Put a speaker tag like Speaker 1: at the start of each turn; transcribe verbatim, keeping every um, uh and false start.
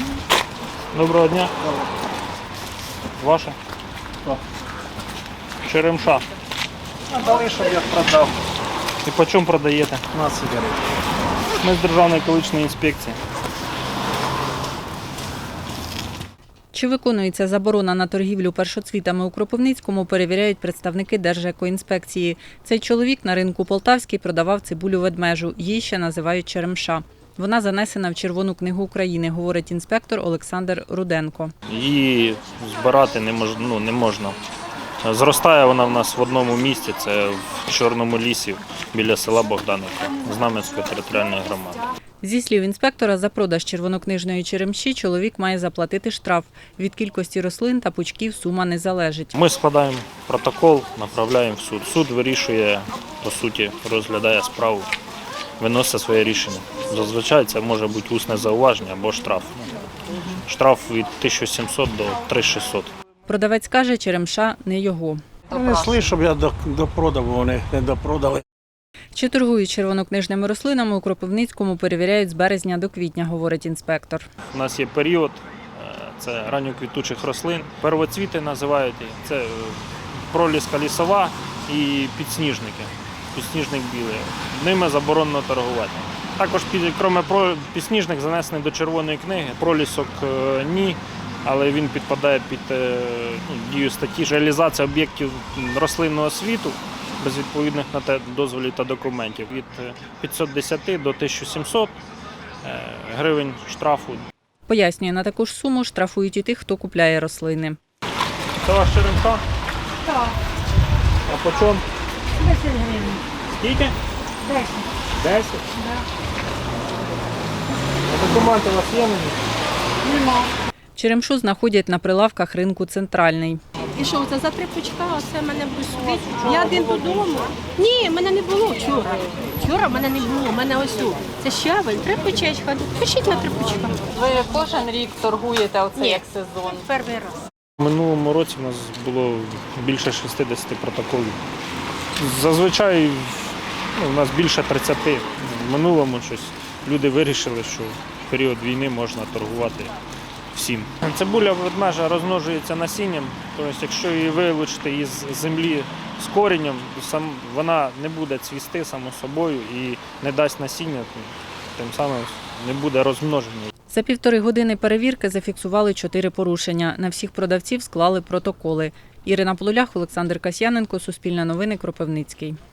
Speaker 1: Доброго дня. Ваше?
Speaker 2: Так.
Speaker 1: Черемша.
Speaker 2: Дали, щоб я продав
Speaker 1: І по чому продаєте?
Speaker 2: на сигарети.
Speaker 1: Ми з Державної екологічної інспекції.
Speaker 3: Чи виконується заборона на торгівлю першоцвітами у Кропивницькому, перевіряють представники Держекоінспекції. Цей чоловік на ринку Полтавський продавав цибулю ведмежу. Її ще називають черемша. Вона занесена в Червону книгу України, говорить інспектор Олександр Руденко.
Speaker 1: Її збирати не можна, ну, не можна. Зростає вона в нас в одному місці, це в Чорному лісі біля села Богданівка, Знам'янської територіальної громади.
Speaker 3: Зі слів інспектора, за продаж червонокнижної черемші чоловік має заплатити штраф. Від кількості рослин та пучків сума не залежить.
Speaker 1: Ми складаємо протокол, направляємо в суд. Суд вирішує, по суті, розглядає справу, виносить своє рішення. Зазвичай це може бути усне зауваження або штраф. Штраф від тисячі сімсот до три тисячі шістсот.
Speaker 3: Продавець каже, черемша не його.
Speaker 2: Принесли, щоб я допродав, вони не допродали.
Speaker 3: Чи торгують червонокнижними рослинами у Кропивницькому, перевіряють з березня до квітня, говорить інспектор.
Speaker 1: У нас є період, це ранньоквітучих рослин. Первоцвіти називають, це проліска лісова і підсніжники. Підсніжник білий. Ними заборонено торгувати. Також, крім підсніжник, занесений до Червоної книги. Пролісок ні, але він підпадає під ну, дію статті реалізація об'єктів рослинного світу без відповідних на те дозволів та документів від п'ятсот десяти до тисячі сімсот гривень штрафу.
Speaker 3: Пояснює, на таку ж суму штрафують і тих, хто купляє рослини.
Speaker 1: Це ваш черемша?
Speaker 4: Так,
Speaker 1: А по чому?
Speaker 4: десять гривень.
Speaker 1: Скільки?
Speaker 4: Десять.
Speaker 1: десять?
Speaker 4: Да.
Speaker 1: А документи у вас є мені?
Speaker 4: Нема.
Speaker 3: Черемшу знаходять на прилавках ринку «Центральний».
Speaker 5: І що, це за три пучка, оце мене буде судити? Я один додому. Ні, мене не було вчора. Вчора мене не було, мене ось у. Це щавель, три пучечка. Пишіть на три пучка.
Speaker 3: Ви кожен рік торгуєте оце
Speaker 5: Ні.
Speaker 3: як сезон?
Speaker 5: Перший раз.
Speaker 1: У минулому році у нас було більше шістдесят протоколів. Зазвичай ну, у нас більше тридцяти. В минулому щось люди вирішили, що в період війни можна торгувати всім. Цибуля ведмежа розмножується насінням, тобто якщо її вилучити із землі з коренем, вона не буде цвісти само собою і не дасть насіння, тим самим не буде розмноження.
Speaker 3: За півтори години перевірки зафіксували чотири порушення. На всіх продавців склали протоколи. Ірина Полулях, Олександр Касьяненко, Суспільне новини, Кропивницький.